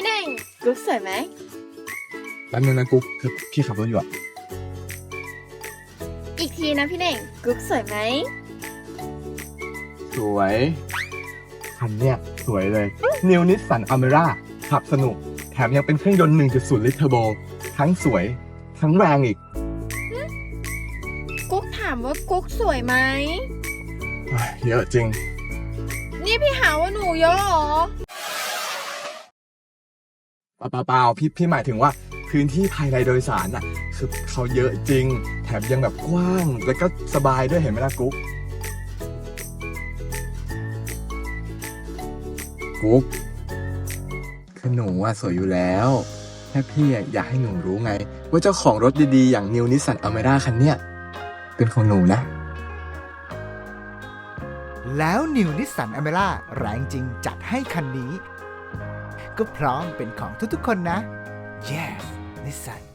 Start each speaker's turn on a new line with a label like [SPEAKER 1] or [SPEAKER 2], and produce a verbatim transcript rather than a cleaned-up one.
[SPEAKER 1] พี่เน่งกุ๊กสวยไหม
[SPEAKER 2] แป๊บนึงนะกุ๊กคือพี่ขับรถอยู่อะ
[SPEAKER 1] อีกทีนะพี่เน่งกุ๊กสวยไหม
[SPEAKER 2] สวยคันเนี้ยสวยเลย New Nissan Almera ขับสนุกแถมยังเป็นเครื่องยนต์ หนึ่งจุดศูนย์ ลิตรเทอร์โบทั้งสวยทั้งแรงอีก
[SPEAKER 1] กุ๊กถามว่ากุ๊กสวยไหม
[SPEAKER 2] เฮ้ยเยอะจริง
[SPEAKER 1] นี่พี่หาว่าหนูเยอะเหรอ
[SPEAKER 2] เปล่าเปล่าพี่พี่หมายถึงว่าพื้นที่ภายในโดยสารน่ะคือเขาเยอะจริง แถมยังแบบกว้างแล้วก็สบายด้วยเห็นไหมล่ะกุ๊กกุ๊กคือหนูอะสวยอยู่แล้วแค่พี่อะอยากให้หนูรู้ไง ว่าเจ้าของรถดีๆอย่าง New Nissan Almera คันเนี้ยเป็นของหนูนะ
[SPEAKER 3] แล้ว New Nissan Almera แรงจริงจัดให้คันนี้ก็พร้อมเป็นของทุกๆคนนะ Yes Nissan